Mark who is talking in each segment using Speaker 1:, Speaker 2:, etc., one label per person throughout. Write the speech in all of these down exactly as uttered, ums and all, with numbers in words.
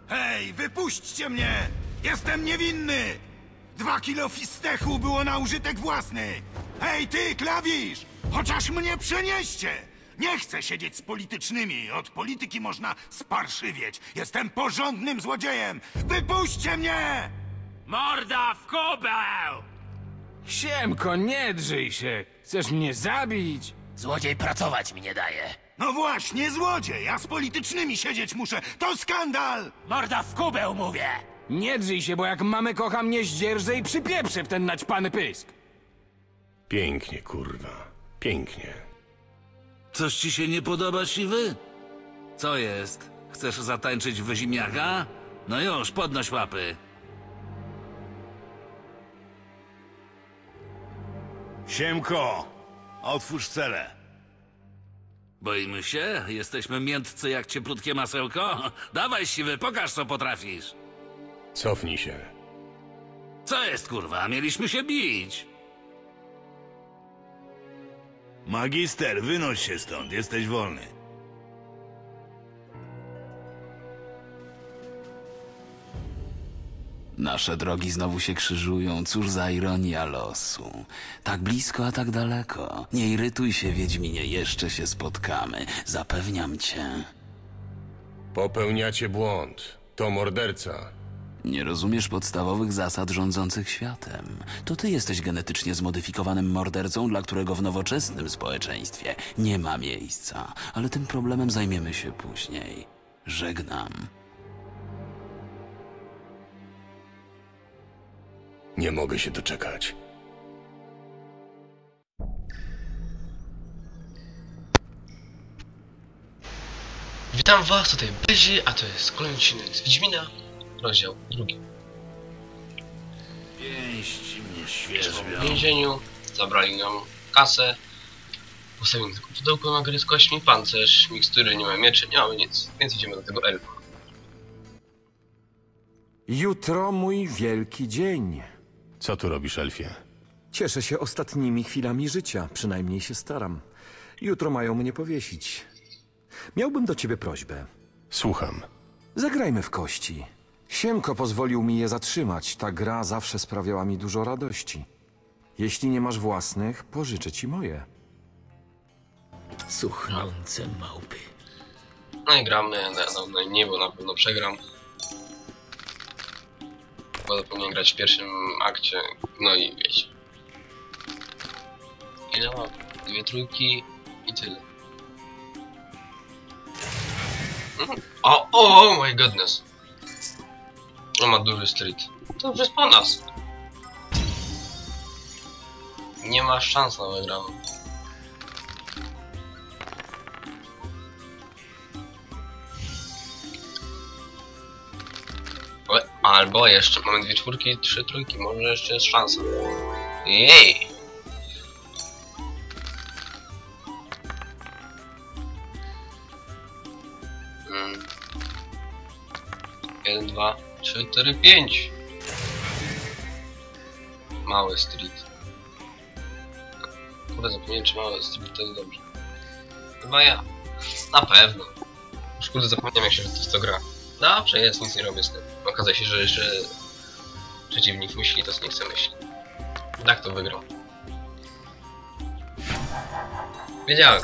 Speaker 1: Hej, wypuśćcie mnie! Jestem niewinny! Dwa kilo fistechu było na użytek własny! Hej, ty, klawisz! Chociaż mnie przenieście! Nie chcę siedzieć z politycznymi. Od polityki można sparszywieć. Jestem porządnym złodziejem! Wypuśćcie mnie!
Speaker 2: Morda w kubeł!
Speaker 3: Siemko, nie drzyj się! Chcesz mnie zabić?
Speaker 2: Złodziej pracować mi nie daje.
Speaker 1: No właśnie, złodziej! Ja z politycznymi siedzieć muszę! To skandal!
Speaker 2: Morda w kubeł, mówię!
Speaker 3: Nie drzyj się, bo jak mamy kocha mnie zdzierżę i przypieprzę w ten naćpany pysk.
Speaker 4: Pięknie, kurwa. Pięknie.
Speaker 5: Coś ci się nie podoba, siwy? Co jest? Chcesz zatańczyć w ziemniaka? No już, podnoś łapy.
Speaker 1: Siemko! Otwórz celę.
Speaker 5: Boimy się? Jesteśmy miętcy jak cieplutkie masełko? Dawaj, siwy, pokaż co potrafisz.
Speaker 4: Cofnij się.
Speaker 5: Co jest, kurwa? Mieliśmy się bić.
Speaker 1: Magister, wynoś się stąd, jesteś wolny.
Speaker 6: Nasze drogi znowu się krzyżują, cóż za ironia losu. Tak blisko, a tak daleko. Nie irytuj się, Wiedźminie, jeszcze się spotkamy. Zapewniam cię.
Speaker 4: Popełniacie błąd. To morderca.
Speaker 6: Nie rozumiesz podstawowych zasad rządzących światem. To ty jesteś genetycznie zmodyfikowanym mordercą, dla którego w nowoczesnym społeczeństwie nie ma miejsca. Ale tym problemem zajmiemy się później. Żegnam.
Speaker 4: Nie mogę się doczekać.
Speaker 7: Witam was, tutaj Byzi, a to jest kolejny odcinek z Wiedźmina, rozdział drugi.
Speaker 5: Pięści mnie
Speaker 7: W
Speaker 5: świeżbią.
Speaker 7: więzieniu zabrali nam kasę, postawili tylko pudełko na gry z kośćmi, pancerz, mikstury, nie mamy mieczy, nie mamy nic, więc idziemy do tego elfa.
Speaker 8: Jutro mój wielki dzień.
Speaker 4: Co tu robisz, elfie?
Speaker 8: Cieszę się ostatnimi chwilami życia, przynajmniej się staram. Jutro mają mnie powiesić. Miałbym do ciebie prośbę.
Speaker 4: Słucham.
Speaker 8: Zagrajmy w kości. Siemko pozwolił mi je zatrzymać. Ta gra zawsze sprawiała mi dużo radości. Jeśli nie masz własnych, pożyczę ci moje.
Speaker 2: Cuchnące małpy.
Speaker 7: No i gramy, no, no i nie, bo na pewno przegram. Bo zapomniałem grać w pierwszym akcie, no i wiecie. Ile mam? Dwie trójki i tyle. Mhm. O, o, oh my goodness. On ma duży street. To już jest po nas. Nie ma szans na wygraną. Albo jeszcze mamy dwie czwórki, trzy trójki, może jeszcze jest szansa. Jej! Hmm. Jeden, dwa, trzy, cztery, pięć. Mały street. Kurde, zapomniałem, czy mały street to jest dobrze. Chyba ja. Na pewno. Już kurde zapomniałem, jak się to, to gra. Dobrze jest, nic nie robię z tym. Okazuje się, że, że przeciwnik myśli to, co nie chce myśleć. Tak to wygrał. Wiedziałem.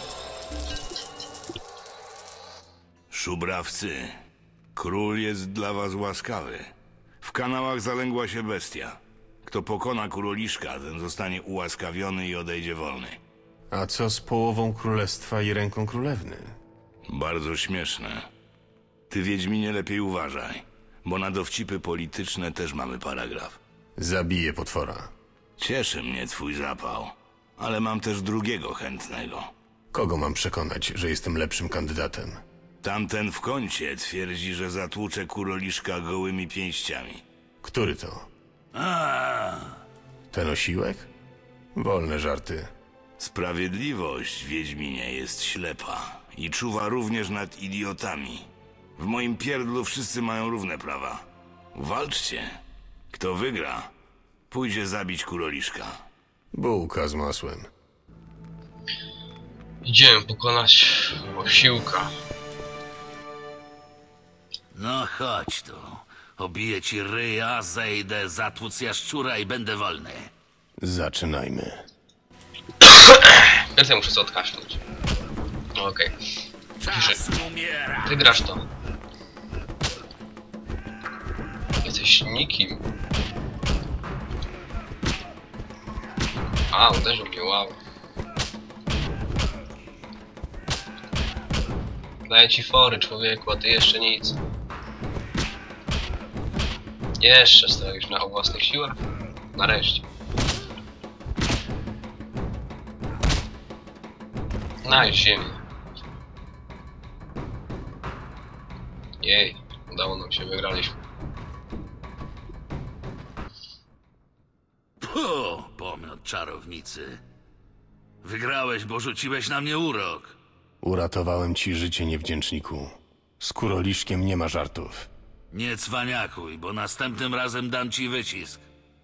Speaker 1: Szubrawcy, król jest dla was łaskawy. W kanałach zalęgła się bestia. Kto pokona kuroliszka, ten zostanie ułaskawiony i odejdzie wolny.
Speaker 4: A co z połową królestwa i ręką królewny?
Speaker 1: Bardzo śmieszne. Ty, Wiedźminie, lepiej uważaj, bo na dowcipy polityczne też mamy paragraf.
Speaker 4: Zabiję potwora.
Speaker 1: Cieszy mnie twój zapał, ale mam też drugiego chętnego.
Speaker 4: Kogo mam przekonać, że jestem lepszym kandydatem?
Speaker 1: Tamten w kącie twierdzi, że zatłucze kuroliszka gołymi pięściami.
Speaker 4: Który to?
Speaker 1: A,
Speaker 4: Ten osiłek? Wolne żarty.
Speaker 1: Sprawiedliwość, Wiedźminie, jest ślepa i czuwa również nad idiotami. W moim pierdlu wszyscy mają równe prawa. Walczcie. Kto wygra, pójdzie zabić kuroliszka.
Speaker 4: Bułka z masłem.
Speaker 7: Idziemy pokonać osiłka.
Speaker 5: No chodź tu. Obiję ci ryja, zejdę, zatłuc jaszczura i będę wolny.
Speaker 4: Zaczynajmy.
Speaker 7: Więcej muszę sobie odkaszleć. No okej.
Speaker 2: Czas umiera.
Speaker 7: Ty grasz to. Jesteś nikim. A, uderzył mnie, wow. Daję ci fory, człowieku, a ty jeszcze nic. Jeszcze stoisz na własnych siłach? Nareszcie. Znajdź ziemię. Jej, udało nam się, wygraliśmy.
Speaker 5: Puh, pomiot czarownicy. Wygrałeś, bo rzuciłeś na mnie urok.
Speaker 4: Uratowałem ci życie, niewdzięczniku. Z kuroliszkiem nie ma żartów.
Speaker 5: Nie cwaniakuj, bo następnym razem dam ci wycisk.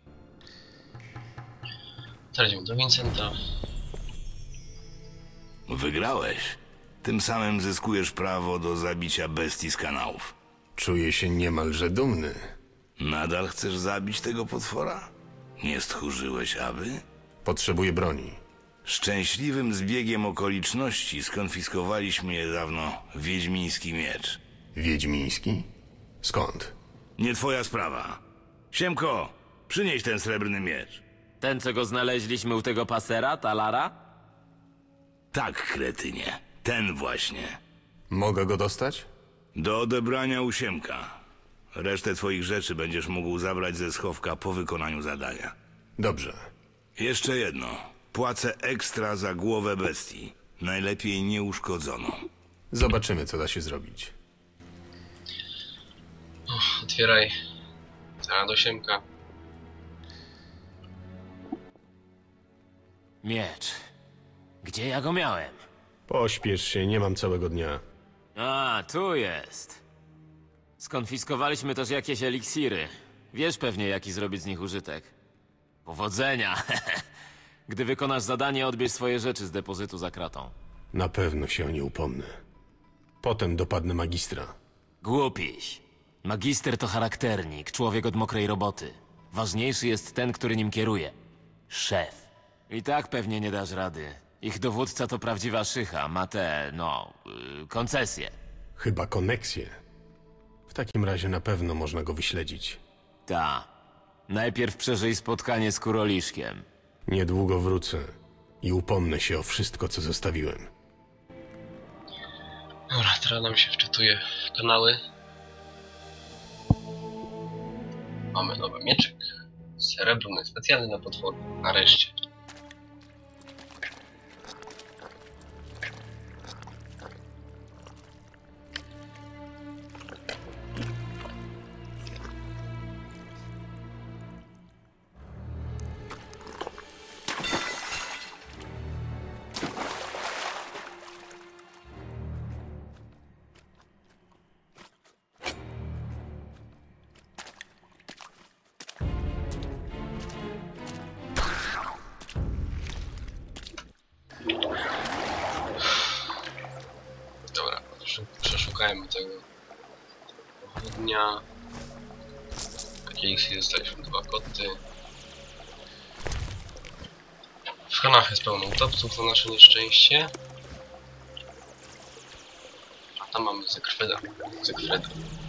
Speaker 7: Teraz idziemy do Vincenta.
Speaker 1: Wygrałeś. Tym samym zyskujesz prawo do zabicia bestii z kanałów.
Speaker 4: Czuję się niemalże dumny.
Speaker 1: Nadal chcesz zabić tego potwora? Nie stchórzyłeś, aby?
Speaker 4: Potrzebuję broni.
Speaker 1: Szczęśliwym zbiegiem okoliczności skonfiskowaliśmy niedawno wiedźmiński miecz.
Speaker 4: Wiedźmiński? Skąd?
Speaker 1: Nie twoja sprawa. Siemko, przynieś ten srebrny miecz.
Speaker 2: Ten, co go znaleźliśmy u tego pasera, Talara?
Speaker 1: Tak, kretynie. Ten właśnie.
Speaker 4: Mogę go dostać?
Speaker 1: Do odebrania u Siemka. Resztę twoich rzeczy będziesz mógł zabrać ze schowka po wykonaniu zadania.
Speaker 4: Dobrze.
Speaker 1: Jeszcze jedno. Płacę ekstra za głowę bestii. Najlepiej nieuszkodzoną.
Speaker 4: Zobaczymy, co da się zrobić.
Speaker 7: Uff, otwieraj. Cała do Siemka.
Speaker 2: Miecz. Gdzie ja go miałem?
Speaker 4: Pośpiesz się, nie mam całego dnia.
Speaker 2: A, tu jest. Skonfiskowaliśmy też jakieś eliksiry. Wiesz pewnie, jaki zrobić z nich użytek. Powodzenia! Gdy wykonasz zadanie, odbierz swoje rzeczy z depozytu za kratą.
Speaker 4: Na pewno się o nie upomnę. Potem dopadnę magistra.
Speaker 2: Głupiś. Magister to charakternik, człowiek od mokrej roboty. Ważniejszy jest ten, który nim kieruje. Szef. I tak pewnie nie dasz rady. Ich dowódca to prawdziwa szycha, ma te, no, yy, koncesje.
Speaker 4: Chyba koneksję. W takim razie na pewno można go wyśledzić.
Speaker 2: Ta. Najpierw przeżyj spotkanie z Kuroliszkiem.
Speaker 4: Niedługo wrócę i upomnę się o wszystko, co zostawiłem.
Speaker 7: Dobra, teraz nam się wczytuje w kanały. Mamy nowy mieczyk. Srebrny, specjalny na potwory. Nareszcie. Dobra, przeszukajmy tego pochodnia. Jakiejś dostaliśmy dwa koty. W kanach jest pełno utopców na nasze nieszczęście. A tam mamy Zygfryda. Zygfryda.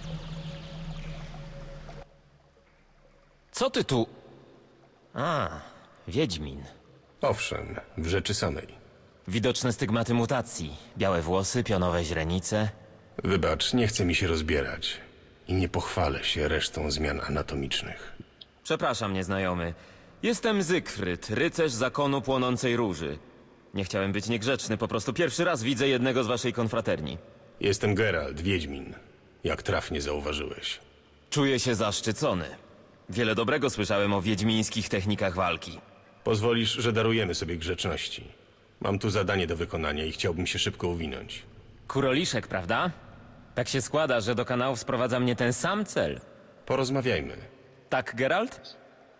Speaker 2: Co ty tu? A, Wiedźmin.
Speaker 4: Owszem, w rzeczy samej.
Speaker 2: Widoczne stygmaty mutacji. Białe włosy, pionowe źrenice.
Speaker 4: Wybacz, nie chce mi się rozbierać. I nie pochwalę się resztą zmian anatomicznych.
Speaker 2: Przepraszam, nieznajomy. Jestem Zygfryd, rycerz zakonu płonącej róży. Nie chciałem być niegrzeczny, po prostu pierwszy raz widzę jednego z waszej konfraterni.
Speaker 4: Jestem Geralt, Wiedźmin. Jak trafnie zauważyłeś.
Speaker 2: Czuję się zaszczycony. Wiele dobrego słyszałem o wiedźmińskich technikach walki.
Speaker 4: Pozwolisz, że darujemy sobie grzeczności. Mam tu zadanie do wykonania i chciałbym się szybko uwinąć.
Speaker 2: Kuroliszek, prawda? Tak się składa, że do kanałów sprowadza mnie ten sam cel.
Speaker 4: Porozmawiajmy.
Speaker 2: Tak, Geralt?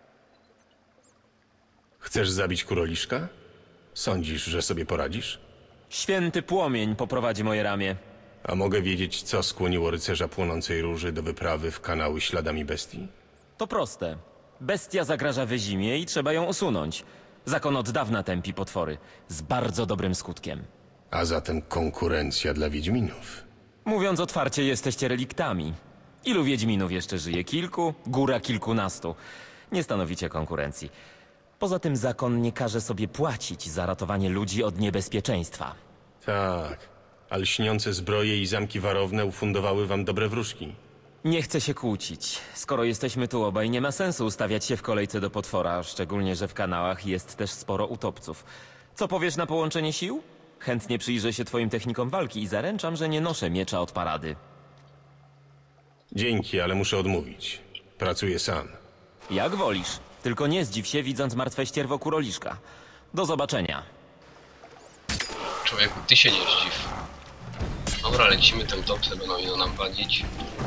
Speaker 4: Chcesz zabić kuroliszka? Sądzisz, że sobie poradzisz?
Speaker 2: Święty płomień poprowadzi moje ramię.
Speaker 4: A mogę wiedzieć, co skłoniło rycerza płonącej róży do wyprawy w kanały śladami bestii?
Speaker 2: To proste. Bestia zagraża Wyzimie i trzeba ją usunąć. Zakon od dawna tępi potwory. Z bardzo dobrym skutkiem.
Speaker 4: A zatem konkurencja dla wiedźminów.
Speaker 2: Mówiąc otwarcie, jesteście reliktami. Ilu wiedźminów jeszcze żyje? Kilku? Góra kilkunastu. Nie stanowicie konkurencji. Poza tym zakon nie każe sobie płacić za ratowanie ludzi od niebezpieczeństwa.
Speaker 4: Tak, a lśniące zbroje i zamki warowne ufundowały wam dobre wróżki.
Speaker 2: Nie chcę się kłócić. Skoro jesteśmy tu obaj, nie ma sensu ustawiać się w kolejce do potwora, szczególnie, że w kanałach jest też sporo utopców. Co powiesz na połączenie sił? Chętnie przyjrzę się twoim technikom walki i zaręczam, że nie noszę miecza od parady.
Speaker 4: Dzięki, ale muszę odmówić. Pracuję sam.
Speaker 2: Jak wolisz. Tylko nie zdziw się, widząc martwe ścierwo kuroliszka. Do zobaczenia.
Speaker 7: Człowieku, ty się nie zdziw. Dobra, lecimy tym topsem, będą ino nam wadzić.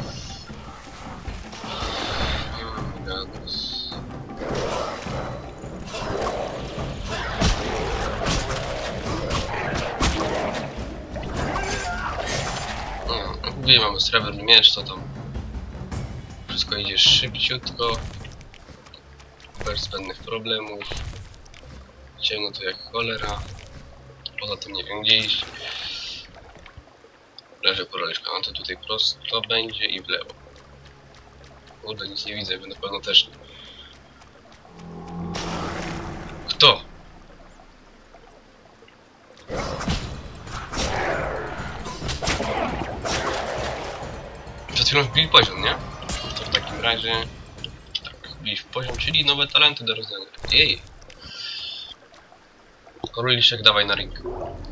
Speaker 7: No, gdzie mamy srebrny miecz, to tam wszystko idzie szybciutko, bez zbędnych problemów. Ciemno to jak cholera, poza tym nie wiem gdzie iść. Leży kuroliszka, no to tutaj prosto będzie i w lewo. Kurde, nic nie widzę, na pewno też nie. Kto? Przed chwilą wbili poziom, nie? To w takim razie... Tak, wbili w poziom, czyli nowe talenty do rozdania. Jej! Kuroliszek, dawaj na ring.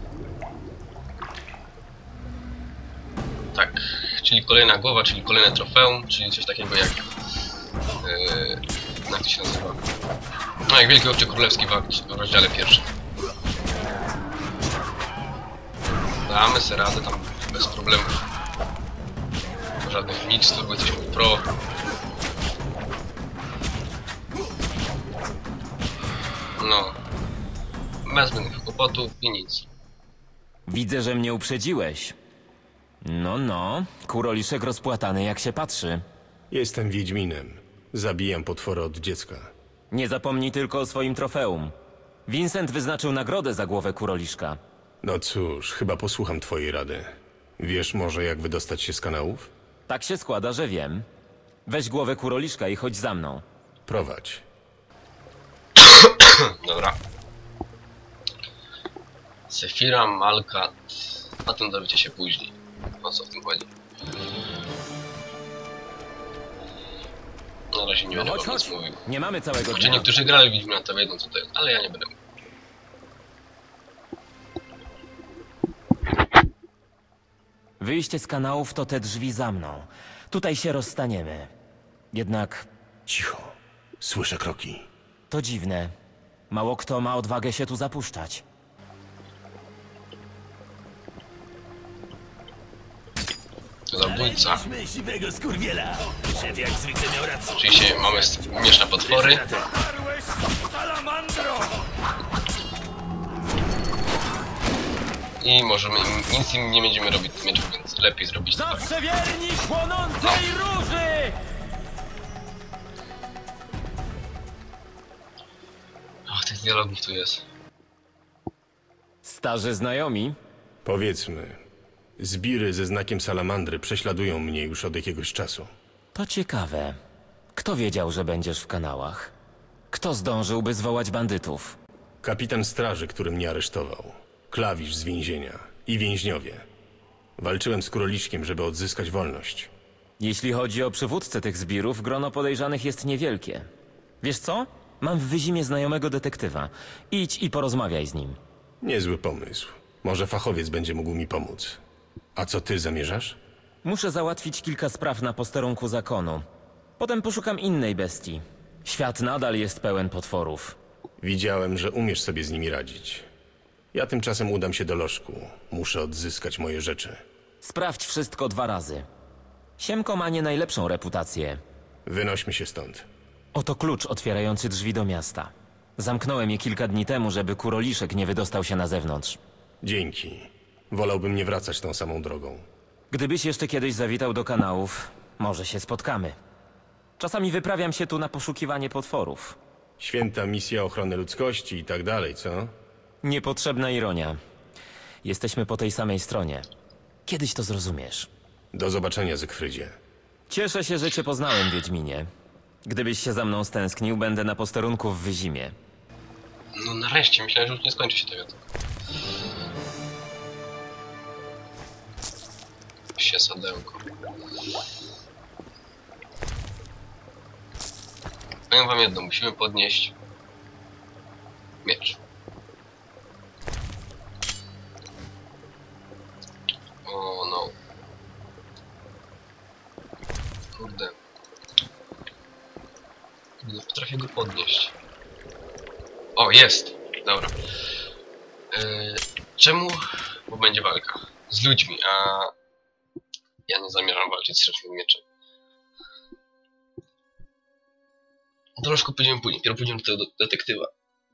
Speaker 7: Tak, czyli kolejna głowa, czyli kolejne trofeum, czyli coś takiego jak... Yy, jak to się nazywa? No jak Wielki Obcy Królewski w rozdziale pierwszym. Damy sobie radę tam bez problemów. Żadnych mikstur, bo jesteśmy pro. No. Bez zbędnych kłopotów i nic.
Speaker 2: Widzę, że mnie uprzedziłeś. No, no. Kuroliszek rozpłatany jak się patrzy.
Speaker 4: Jestem wiedźminem. Zabijam potwory od dziecka.
Speaker 2: Nie zapomnij tylko o swoim trofeum. Vincent wyznaczył nagrodę za głowę kuroliszka.
Speaker 4: No cóż, chyba posłucham twojej rady. Wiesz może, jak wydostać się z kanałów?
Speaker 2: Tak się składa, że wiem. Weź głowę kuroliszka i chodź za mną.
Speaker 4: Prowadź.
Speaker 7: Dobra. Sefira, Malkat. A tym dowiecie się później. O co w tym chodzi? Na razie nie
Speaker 2: No
Speaker 7: będę
Speaker 2: chodź,
Speaker 7: wam
Speaker 2: chodź.
Speaker 7: nic mówił.
Speaker 2: Nie mamy całego
Speaker 7: Gdzie
Speaker 2: dnia.
Speaker 7: niektórzy grali w Wiedźmina, to wiedzą co to jest, ale ja nie będę mówił.
Speaker 2: Wyjście z kanałów to te drzwi za mną. Tutaj się rozstaniemy. Jednak
Speaker 4: Cicho. Słyszę kroki.
Speaker 2: to dziwne. Mało kto ma odwagę się tu zapuszczać.
Speaker 7: Zabójca.
Speaker 9: Siwego skurwiela. Szef jak zwykle miał rację.
Speaker 7: Oczywiście mamy śmieszne potwory.
Speaker 9: Salamandro!
Speaker 7: I możemy im, nic im nie będziemy robić z mieczem, więc lepiej zrobić to tak.
Speaker 2: Zawsze wierni płonącej róży!
Speaker 7: Ach, tych dialogów tu jest.
Speaker 2: Starzy znajomi?
Speaker 4: Powiedzmy, zbiry ze znakiem salamandry prześladują mnie już od jakiegoś czasu.
Speaker 2: To ciekawe. Kto wiedział, że będziesz w kanałach? Kto zdążyłby zwołać bandytów?
Speaker 4: Kapitan straży, który mnie aresztował. Klawisz z więzienia. I więźniowie. Walczyłem z Kuroliszkiem, żeby odzyskać wolność.
Speaker 2: Jeśli chodzi o przywódcę tych zbirów, grono podejrzanych jest niewielkie. Wiesz co? Mam w Wyzimie znajomego detektywa. Idź i porozmawiaj z nim.
Speaker 4: Niezły pomysł. Może fachowiec będzie mógł mi pomóc. A co ty zamierzasz?
Speaker 2: Muszę załatwić kilka spraw na posterunku zakonu. Potem poszukam innej bestii. Świat nadal jest pełen potworów.
Speaker 4: Widziałem, że umiesz sobie z nimi radzić. Ja tymczasem udam się do lożku. Muszę odzyskać moje rzeczy.
Speaker 2: Sprawdź wszystko dwa razy. Siemko ma nie najlepszą reputację.
Speaker 4: Wynośmy się stąd.
Speaker 2: Oto klucz otwierający drzwi do miasta. Zamknąłem je kilka dni temu, żeby Kuroliszek nie wydostał się na zewnątrz.
Speaker 4: Dzięki. Wolałbym nie wracać tą samą drogą.
Speaker 2: Gdybyś jeszcze kiedyś zawitał do kanałów, może się spotkamy. Czasami wyprawiam się tu na poszukiwanie potworów.
Speaker 4: Święta misja ochrony ludzkości i tak dalej, co?
Speaker 2: Niepotrzebna ironia. Jesteśmy po tej samej stronie. Kiedyś to zrozumiesz.
Speaker 4: Do zobaczenia, Zygfrydzie.
Speaker 2: Cieszę się, że cię poznałem, Wiedźminie. Gdybyś się za mną stęsknił, będę na posterunku w Wyzimie.
Speaker 7: No nareszcie, myślałem, że już nie skończy się tego. Się sadełko. Powiem wam jedno, musimy podnieść miecz. O no. Kurde. Nie potrafię go podnieść. O, jest! Dobra. Yy, czemu? Bo będzie walka z ludźmi, a ja nie zamierzam walczyć z szybkim mieczem. Troszkę pójdziemy później, dopiero pójdziemy do tego detektywa.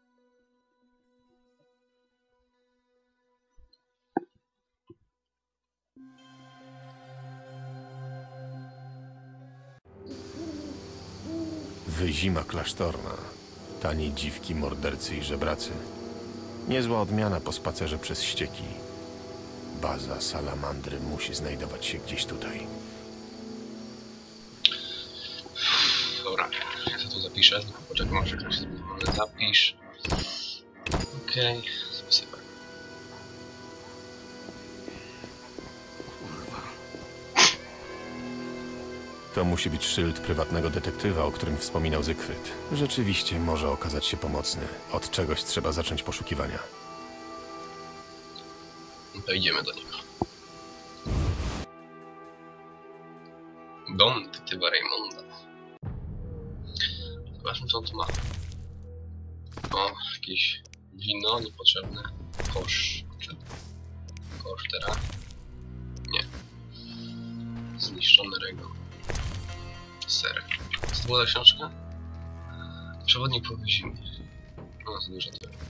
Speaker 4: Wyzima klasztorna. Tanie dziwki, mordercy i żebracy. Niezła odmiana po spacerze przez ścieki. Baza salamandry musi znajdować się gdzieś tutaj.
Speaker 7: Dobra, ja sobie tu zapiszę, tylko poczekam, może ktoś sobie zapisz. Okej, okay. Zapisywać.
Speaker 4: To musi być szyld prywatnego detektywa, o którym wspominał Zygfryd. Rzeczywiście może okazać się pomocny. Od czegoś trzeba zacząć poszukiwania.
Speaker 7: No to idziemy do niego. Dom detektywa Raymonda. Zobaczmy, co on tu ma. O, jakieś wino niepotrzebne. Kosz. Czy kosz teraz? Nie. Zniszczony regał. Serek. Co to była za książka? Przewodnik po Wyzimie. No, za dużo tego.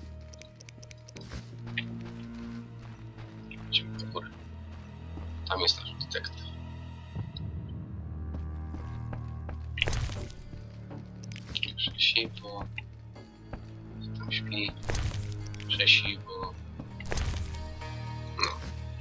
Speaker 7: Idziemy do góry. Tam jest nasz detektyw. Krzesiwo. Tam śpi. Krzesiwo. No.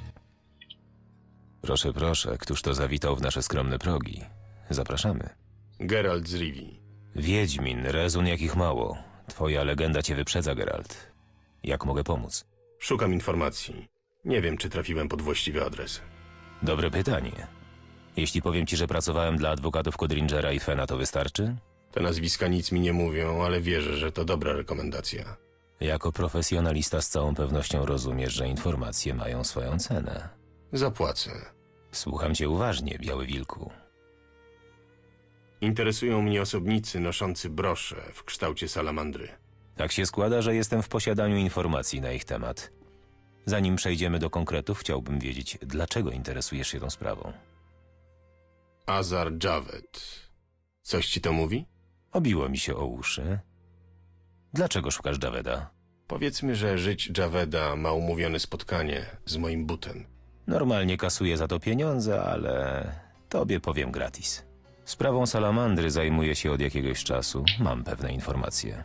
Speaker 10: Proszę, proszę, któż to zawitał w nasze skromne progi? Zapraszamy.
Speaker 4: Geralt z Rivii.
Speaker 10: Wiedźmin, rezun jakich mało. Twoja legenda cię wyprzedza, Geralt. Jak mogę pomóc?
Speaker 4: Szukam informacji. Nie wiem, czy trafiłem pod właściwy adres.
Speaker 10: Dobre pytanie. Jeśli powiem ci, że pracowałem dla adwokatów Codringera i Fena, to wystarczy?
Speaker 4: Te nazwiska nic mi nie mówią, ale wierzę, że to dobra rekomendacja.
Speaker 10: Jako profesjonalista z całą pewnością rozumiesz, że informacje mają swoją cenę.
Speaker 4: Zapłacę.
Speaker 10: Słucham cię uważnie, Biały Wilku.
Speaker 4: Interesują mnie osobnicy noszący brosze w kształcie salamandry.
Speaker 10: Tak się składa, że jestem w posiadaniu informacji na ich temat. Zanim przejdziemy do konkretów, chciałbym wiedzieć, dlaczego interesujesz się tą sprawą.
Speaker 4: Azar Javed. Coś ci to mówi?
Speaker 10: Obiło mi się o uszy. Dlaczego szukasz Javeda?
Speaker 4: Powiedzmy, że żyć Javeda ma umówione spotkanie z moim butem.
Speaker 10: Normalnie kasuję za to pieniądze, ale tobie powiem gratis. Sprawą salamandry zajmuję się od jakiegoś czasu. Mam pewne informacje.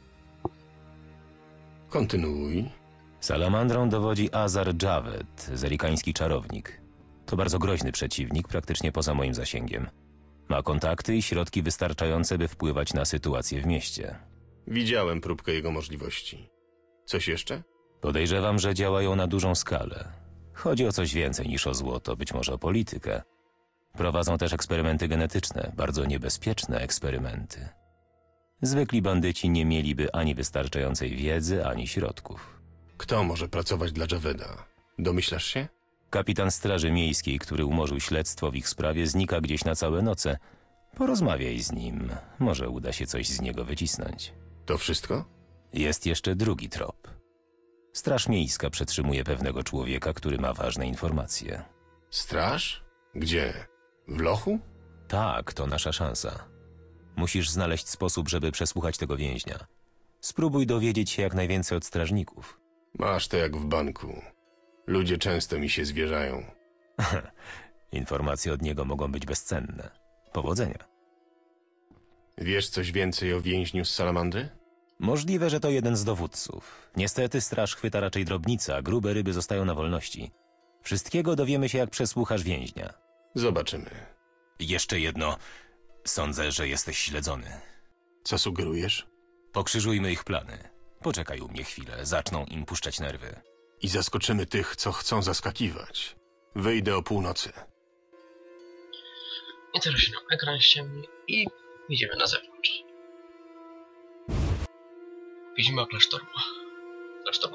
Speaker 4: Kontynuuj.
Speaker 10: Salamandrą dowodzi Azar Javed, zerikański czarownik. To bardzo groźny przeciwnik, praktycznie poza moim zasięgiem. Ma kontakty i środki wystarczające, by wpływać na sytuację w mieście.
Speaker 4: Widziałem próbkę jego możliwości. Coś jeszcze?
Speaker 10: Podejrzewam, że działają na dużą skalę. Chodzi o coś więcej niż o złoto, być może o politykę. Prowadzą też eksperymenty genetyczne, bardzo niebezpieczne eksperymenty. Zwykli bandyci nie mieliby ani wystarczającej wiedzy, ani środków.
Speaker 4: Kto może pracować dla Javeda? Domyślasz się?
Speaker 10: Kapitan Straży Miejskiej, który umorzył śledztwo w ich sprawie, znika gdzieś na całe noce. Porozmawiaj z nim. Może uda się coś z niego wycisnąć.
Speaker 4: To wszystko?
Speaker 10: Jest jeszcze drugi trop. Straż Miejska przetrzymuje pewnego człowieka, który ma ważne informacje.
Speaker 4: Straż? Gdzie? W lochu?
Speaker 10: Tak, to nasza szansa. Musisz znaleźć sposób, żeby przesłuchać tego więźnia. Spróbuj dowiedzieć się jak najwięcej od strażników.
Speaker 4: Masz to jak w banku. Ludzie często mi się zwierzają.
Speaker 10: Informacje od niego mogą być bezcenne. Powodzenia.
Speaker 4: Wiesz coś więcej o więźniu z Salamandry?
Speaker 10: Możliwe, że to jeden z dowódców. Niestety straż chwyta raczej drobnica, a grube ryby zostają na wolności. Wszystkiego dowiemy się, jak przesłuchasz więźnia.
Speaker 4: Zobaczymy.
Speaker 10: Jeszcze jedno. Sądzę, że jesteś śledzony.
Speaker 4: Co sugerujesz?
Speaker 10: Pokrzyżujmy ich plany. Poczekaj u mnie chwilę, zaczną im puszczać nerwy.
Speaker 4: I zaskoczymy tych, co chcą zaskakiwać. Wyjdę o północy.
Speaker 7: I teraz się nam ekran ściemni i wyjdziemy na zewnątrz. Widzimy klasztor. Klasztor.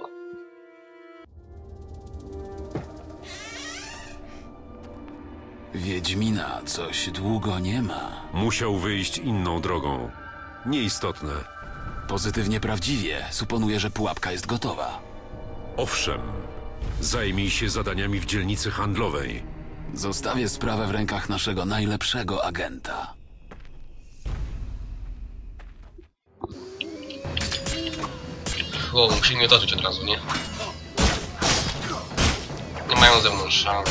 Speaker 6: Wiedźmina coś długo nie ma.
Speaker 11: Musiał wyjść inną drogą. Nieistotne.
Speaker 6: Pozytywnie prawdziwie. Suponuję, że pułapka jest gotowa.
Speaker 11: Owszem. Zajmij się zadaniami w dzielnicy handlowej.
Speaker 6: Zostawię sprawę w rękach naszego najlepszego agenta.
Speaker 7: Wow, musimy mnie otoczyć od razu, nie? Nie mają ze mną szans.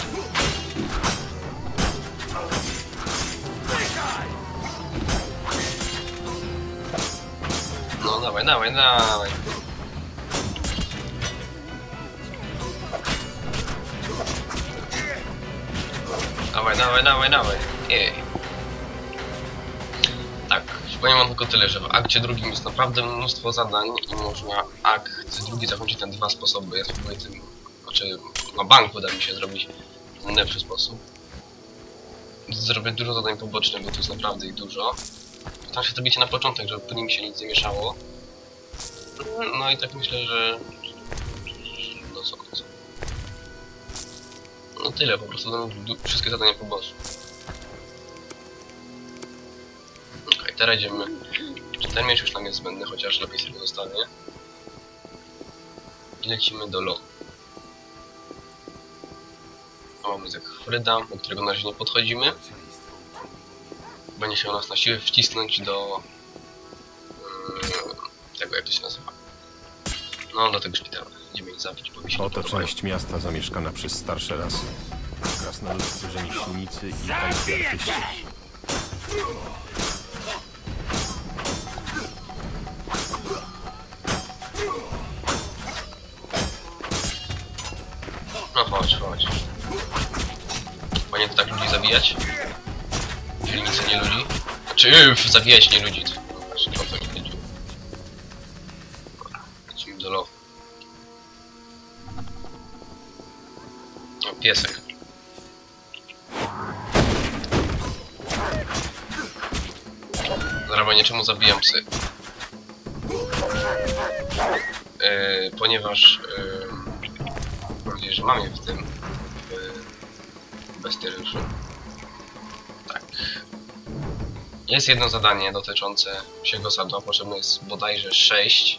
Speaker 7: No dawaj, dawaj, dawaj. Dawaj, dawaj, dawaj, dawaj. Jej. Tak, powiem wam tylko tyle, że w akcie drugim jest naprawdę mnóstwo zadań i można akt drugi zakończyć na dwa sposoby. Ja spróbuję tym, znaczy na banku da mi się zrobić w lepszy sposób. Zrobię dużo zadań pobocznych, bo tu jest naprawdę ich dużo. Staram się zrobić je na początek, żeby później mi się nic nie mieszało. No i tak myślę, że... No co końcu. No tyle, po prostu dam wszystkie zadania po bossu. Okej, okay, teraz idziemy. Ten miecz już nam jest zbędny, chociaż lepiej sobie go zostawię. I lecimy do Lo. Mamy Zekfryda, do którego na razie nie podchodzimy. Będzie się nas na siłę wcisnąć do... Yy, tego, jak to się nazywa. No, do tego szpitala. Idziemy ich zabić, bo mi się
Speaker 4: Oto część miasta zamieszkana przez starsze rasy. Krasnoludzcy, rzemieślnicy i tajscy artyści.
Speaker 7: No chodź, chodź. Panie to tak ludzi zabijać? Dzielnicy nie ludzi? Znaczy, yy, zabijać nie ludzi. No właśnie, o to nie chodzi. Dobra, lecimy do Lo. O, piesek. Zaraz, czemu zabijam psy? Yy, ponieważ... Yy, mam nadzieję, że mam je w tym... w bestiariuszu. Tak. Jest jedno zadanie dotyczące psiego sadu, potrzebne jest bodajże sześć.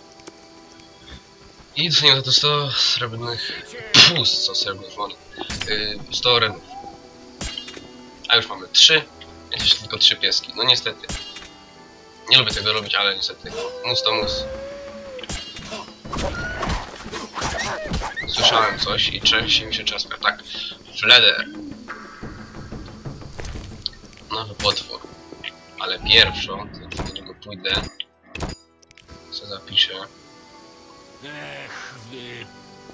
Speaker 7: I dostaniemy za to sto srebrnych... Pff, sto srebrnych monet. Yy, sto renów. A już mamy trzy. Jest jeszcze tylko trzy pieski. No niestety. Nie lubię tego robić, ale niestety. Mus to mus. Słyszałem coś i trzęsie mi się czaska. Tak. Fleder. Nowy potwór. Ale pierwszą, do niego pójdę. Co zapiszę.
Speaker 9: Ech, wy...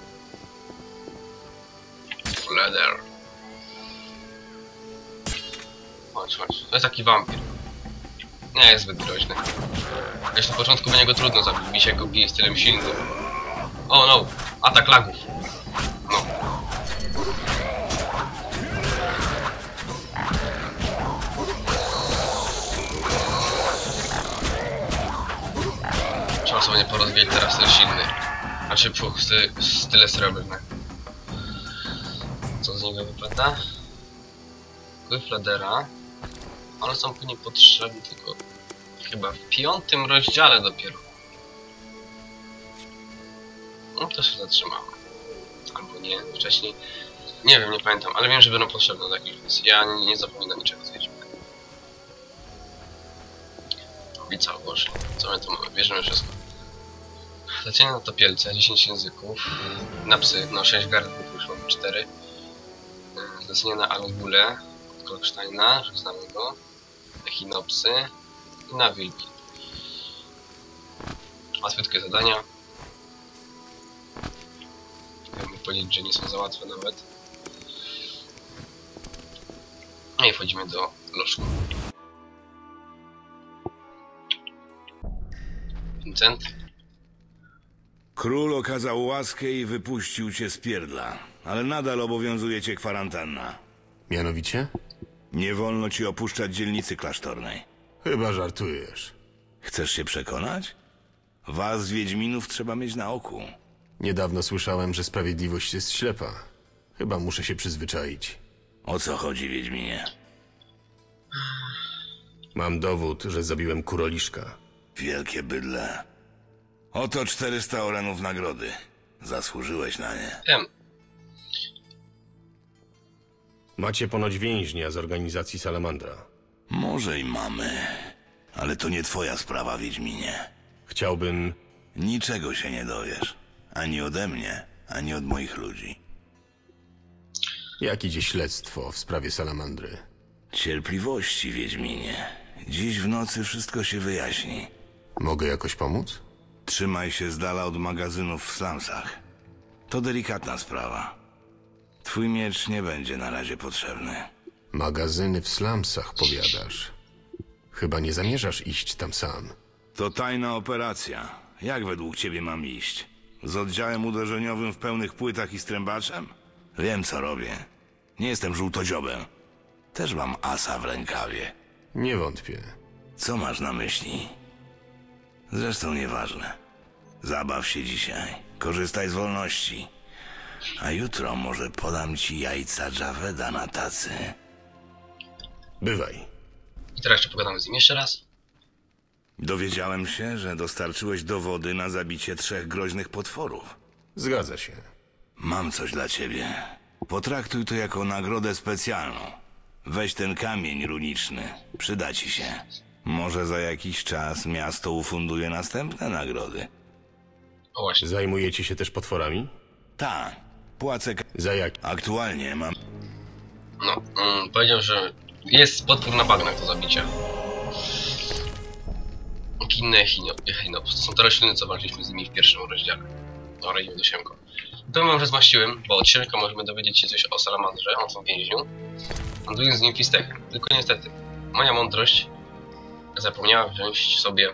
Speaker 7: Fleder. Chodź, chodź. To jest taki wampir. Nie jest zbyt groźny. Wiesz, na początku będzie go trudno zabić, mi się go bije stylem silnym. O no! Atak lagów. No. Trzeba sobie nie porozwijać teraz styl silny. Znaczy, puch, sty, style srebrne. Co z niego wypada? Fledera. One są później potrzebne tylko chyba w piątym rozdziale dopiero. No to się zatrzymałem. Albo nie, wcześniej. Nie wiem, nie pamiętam, ale wiem, że będą potrzebne do jakiejś misji. Ja nie, nie zapominam niczego z Wiedźmina. I co, Boże, co my tu mamy? Bierzemy wszystko. Lecenie na topielce, dziesięć języków. Na psy, no sześć gardów, już mamy cztery. Zlecenie na Angulę od Kolksteina, że znamy go. Echinopsy i na wilki. Łatwiutkie zadania. Chciałbym powiedzieć, że nie są za łatwe nawet. No i wchodzimy do lożku. Vincent.
Speaker 1: Król okazał łaskę i wypuścił cię z pierdla, ale nadal obowiązuje cię kwarantanna.
Speaker 4: Mianowicie?
Speaker 1: Nie wolno ci opuszczać dzielnicy klasztornej.
Speaker 4: Chyba żartujesz.
Speaker 1: Chcesz się przekonać? Was, Wiedźminów, trzeba mieć na oku.
Speaker 4: Niedawno słyszałem, że sprawiedliwość jest ślepa. Chyba muszę się przyzwyczaić.
Speaker 1: O co chodzi, Wiedźminie?
Speaker 4: Mam dowód, że zabiłem kuroliszka.
Speaker 1: Wielkie bydle. Oto czterysta orenów nagrody. Zasłużyłeś na nie.
Speaker 7: Wiem.
Speaker 4: Macie ponoć więźnia z organizacji Salamandra.
Speaker 1: Może i mamy, ale to nie twoja sprawa, Wiedźminie.
Speaker 4: Chciałbym...
Speaker 1: Niczego się nie dowiesz. Ani ode mnie, ani od moich ludzi.
Speaker 4: Jak idzie śledztwo w sprawie Salamandry?
Speaker 1: Cierpliwości, Wiedźminie. Dziś w nocy wszystko się wyjaśni.
Speaker 4: Mogę jakoś pomóc?
Speaker 1: Trzymaj się z dala od magazynów w slumsach. To delikatna sprawa. Twój miecz nie będzie na razie potrzebny.
Speaker 4: Magazyny w slumsach, powiadasz. Chyba nie zamierzasz iść tam sam.
Speaker 1: To tajna operacja. Jak według ciebie mam iść? Z oddziałem uderzeniowym w pełnych płytach i strębaczem? Wiem, co robię. Nie jestem żółtodziobem. Też mam asa w rękawie.
Speaker 4: Nie wątpię.
Speaker 1: Co masz na myśli? Zresztą nieważne. Zabaw się dzisiaj. Korzystaj z wolności. A jutro może podam ci jajca Javeda na tacy.
Speaker 4: Bywaj.
Speaker 7: I teraz jeszcze pogadamy z nim jeszcze raz.
Speaker 1: Dowiedziałem się, że dostarczyłeś dowody na zabicie trzech groźnych potworów.
Speaker 4: Zgadza się.
Speaker 1: Mam coś dla ciebie. Potraktuj to jako nagrodę specjalną. Weź ten kamień runiczny. Przyda ci się. Może za jakiś czas miasto ufunduje następne nagrody.
Speaker 7: O właśnie.
Speaker 4: Zajmujecie się też potworami?
Speaker 1: Tak. Płacę...
Speaker 4: Za jak?
Speaker 1: Aktualnie mam...
Speaker 7: No, mm, powiedział, że jest potwór na bagnach do zabicia. Kinne Echinops. To są te rośliny, co walczyliśmy z nimi w pierwszym rozdziale. Dobra, idziemy do Siemko. Powiem wam, że zmaściłem, bo od Siemka możemy dowiedzieć się coś o Salamandrze, o tym więźniu. Handlując z nim fistekiem. Tylko niestety, moja mądrość zapomniała wziąć sobie...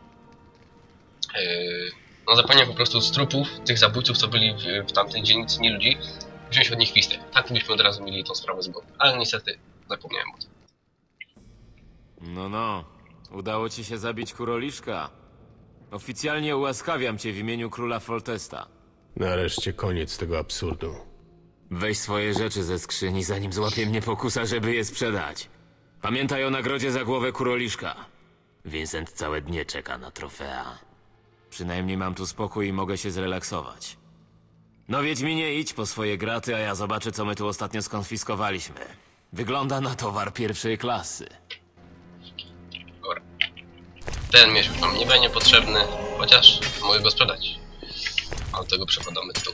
Speaker 7: Yy, no zapomniałem po prostu z trupów tych zabójców, co byli w, w tamtej dzielnicy, nie ludzi, wziąć od nich fistek. Tak byśmy od razu mieli tą sprawę z głowy. Ale niestety zapomniałem o tym.
Speaker 2: No, no. Udało ci się zabić kuroliszka. Oficjalnie ułaskawiam cię w imieniu króla Foltesta.
Speaker 4: Nareszcie koniec tego absurdu.
Speaker 2: Weź swoje rzeczy ze skrzyni, zanim złapie mnie pokusa, żeby je sprzedać. Pamiętaj o nagrodzie za głowę kuroliszka. Vincent całe dnie czeka na trofea. Przynajmniej mam tu spokój i mogę się zrelaksować. No Wiedźminie, idź po swoje graty, a ja zobaczę, co my tu ostatnio skonfiskowaliśmy. Wygląda na towar pierwszej klasy.
Speaker 7: Dobra. Ten miecz już nam nie będzie potrzebny, chociaż mogę go sprzedać. A do tego przepadamy tu.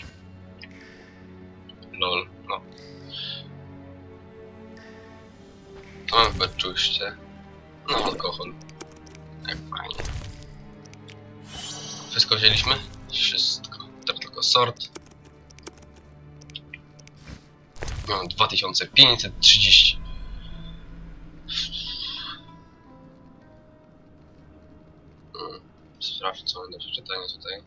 Speaker 7: Lol, no. To mamy w beczuście. No, alkohol. Jak fajnie. Wszystko wzięliśmy? Wszystko. Teraz tylko sort. No, dwa tysiące pięćset trzydzieści. Hmm. Sprawdź, co mam do przeczytania tutaj.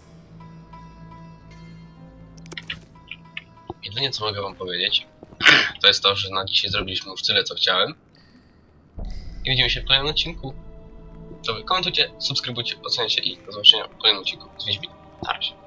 Speaker 7: Jedynie co mogę wam powiedzieć, to jest to, że na dzisiaj zrobiliśmy już tyle, co chciałem. I widzimy się w kolejnym odcinku. To wy komentujcie, subskrybujcie, oceniajcie i do zobaczenia w kolejnym odcinku z Wiedźminem. Na razie.